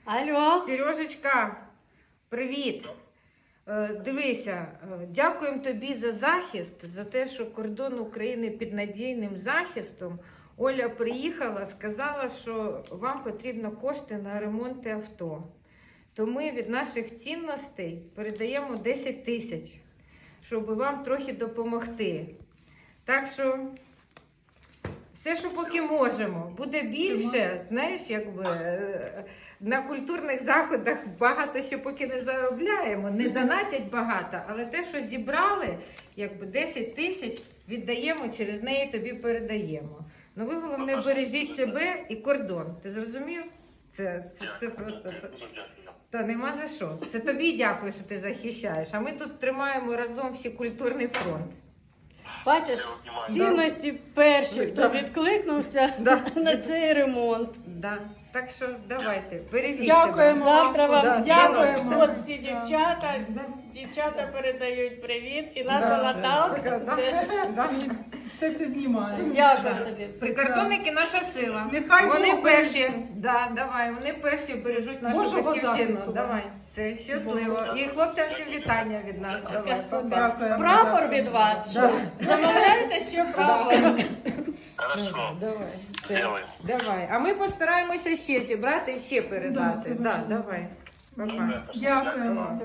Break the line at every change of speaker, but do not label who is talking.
Алло.
Сережечка, привіт. Дивися, дякуємо тобі за захист, за те, що кордон України під надійним захистом. Оля приїхала, сказала, що вам потрібно кошти на ремонти авто. То ми від наших цінностей передаємо 10 тисяч, щоб вам трохи допомогти. Так що все, що поки можемо. Буде більше, знаєш, якби на культурних заходах багато ще поки не заробляємо, не донатять багато, але те, що зібрали, якби 10 тисяч віддаємо, через неї тобі передаємо. Ну ви, головне, бережіть себе і кордон. Ти зрозумів? Це просто... Та нема за що. Це тобі дякую, що ти захищаєш. А ми тут тримаємо разом всі культурний фронт.
Бачиш, цінності перші, хто відкликнувся на цей ремонт.
Да. Так що давайте, бережіть
Дякуємо.
себе.
Завтра вам
Дякуємо.
От всі дівчата. Дівчата передають привіт. І наша Наталка.
Все це знімає.
Дякую тобі.
Прикордонники наша сила.
Нехай
вони
Бог
перші.
береже.
Да, давай, вони перші бережуть нашу
Божого
батьківщину.
захисту.
Давай, все, щасливо. І хлопцям всім вітання від нас. Давай, па-па.
Дякуємо.
Прапор від вас. Що? Замовляєте ще прапор?
Хорошо.
Давай, все.
Сделаем.
Давай. А ми постараємося ще зібрати і ще передати.
Да, це важливо.
Давай. Па-па.
Дякуємо.